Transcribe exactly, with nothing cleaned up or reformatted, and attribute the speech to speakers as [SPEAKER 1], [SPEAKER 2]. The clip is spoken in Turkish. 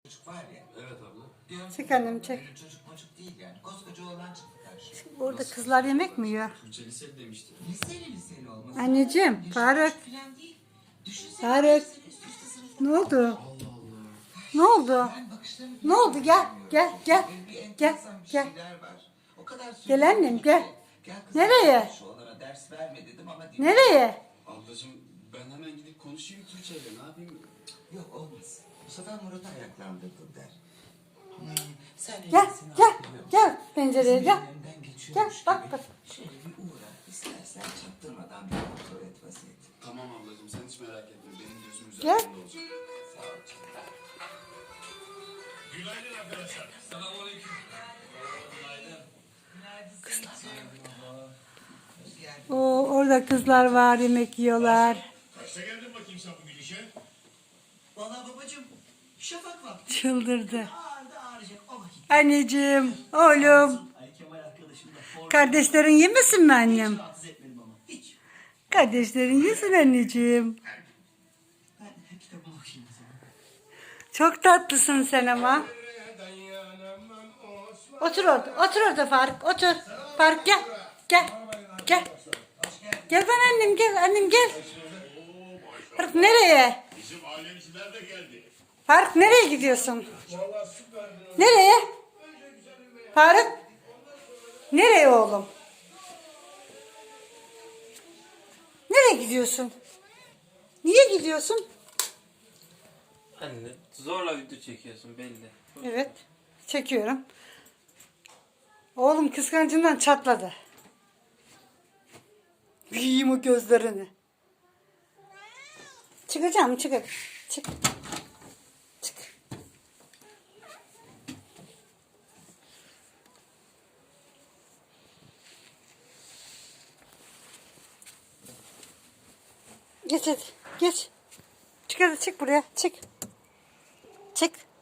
[SPEAKER 1] Çocuk var ya.
[SPEAKER 2] Evet abla.
[SPEAKER 1] Diyorum
[SPEAKER 3] Çek
[SPEAKER 1] ki,
[SPEAKER 3] annem, çek.
[SPEAKER 1] böyle çocuk mocuk değil yani. Koskoca oğlan çıktı karşıma.
[SPEAKER 3] Orada kızlar yemek mi yiyor?
[SPEAKER 2] Tuğçe liseli demişti.
[SPEAKER 1] Liseli liseli olması.
[SPEAKER 3] Anneciğim,
[SPEAKER 1] Yaşı
[SPEAKER 3] Faruk.
[SPEAKER 1] küçük falan değil. Düşünsene,
[SPEAKER 3] Faruk.
[SPEAKER 1] beş sene üst üste sınıfta.
[SPEAKER 3] Ne oldu?
[SPEAKER 2] Allah Allah.
[SPEAKER 3] Ne oldu?
[SPEAKER 1] Ben bakışlarını
[SPEAKER 3] Ne oldu? Gel,
[SPEAKER 1] bilmiyorum.
[SPEAKER 3] gel, gel.
[SPEAKER 1] Böyle bir
[SPEAKER 3] Gel,
[SPEAKER 1] enteresan bir
[SPEAKER 3] gel.
[SPEAKER 1] şeyler var. O kadar
[SPEAKER 3] Gel annem,
[SPEAKER 1] söylüyorum
[SPEAKER 3] gel.
[SPEAKER 1] ki, Gel kızım,
[SPEAKER 3] Nereye?
[SPEAKER 1] Şu onlara ders verme dedim ama dinlemedi.
[SPEAKER 3] Nereye?
[SPEAKER 2] Ablacığım ben hemen gidip konuşayım Tuğçe'yle. Ne yapayım?
[SPEAKER 1] Yok olmaz. Bu sefer Murat'ı ayaklandırdın der. Hmm, sen
[SPEAKER 3] Gel,
[SPEAKER 1] elbisini
[SPEAKER 3] gel,
[SPEAKER 1] hatırlıyor musun?
[SPEAKER 3] gel pencereye
[SPEAKER 1] Bizim
[SPEAKER 3] gel.
[SPEAKER 1] önünden
[SPEAKER 3] Gel,
[SPEAKER 1] geçiyormuş
[SPEAKER 3] bak
[SPEAKER 1] gibi
[SPEAKER 3] bak.
[SPEAKER 1] Şöyle bir uğra. İstersen çaktırmadan bir kontrol et vaziyeti.
[SPEAKER 2] Tamam ablacığım sen hiç merak etme. Benim gözüm
[SPEAKER 3] Gel.
[SPEAKER 2] üzerinde olacak.
[SPEAKER 1] Sağ ol canım.
[SPEAKER 4] Günaydın arkadaşlar. Selamünaleyküm.
[SPEAKER 3] Oo, orada kızlar var, yemek yiyorlar.
[SPEAKER 4] Kaçta geldin bakayım sen bugün işe?
[SPEAKER 1] Valla babacığım şafak vakti
[SPEAKER 3] Çıldırdı.
[SPEAKER 1] ağırda ağrıyacak o vakit.
[SPEAKER 3] Anneciğim, oğlum.
[SPEAKER 5] Ali Kemal arkadaşım da forma
[SPEAKER 3] Kardeşlerin yemesin mi annem?
[SPEAKER 5] rahatsız etmedim ama. Hiç.
[SPEAKER 3] Kardeşlerin yesin anneciğim.
[SPEAKER 5] Ben kitabıma bakayım o zaman.
[SPEAKER 3] Çok tatlısın sen ama. Otur orada, otur orada Faruk, otur. Faruk gel, gel, gel. Gel ben annem, gel annem gel. Faruk nereye?
[SPEAKER 4] Bizim ailemciler de geldi.
[SPEAKER 3] Faruk nereye gidiyorsun?
[SPEAKER 4] Vallahi süperdi.
[SPEAKER 3] Nereye? Faruk? Nereye oğlum? Nereye gidiyorsun? Niye gidiyorsun?
[SPEAKER 6] Anne zorla video çekiyorsun belli.
[SPEAKER 3] Evet, çekiyorum. Oğlum kıskancından çatladı. Yiyeyim o gözlerini. Çıkacağım, çık hadi. Çık. Çık. Geç hadi, geç. Çık hadi, çık buraya, çık. Çık.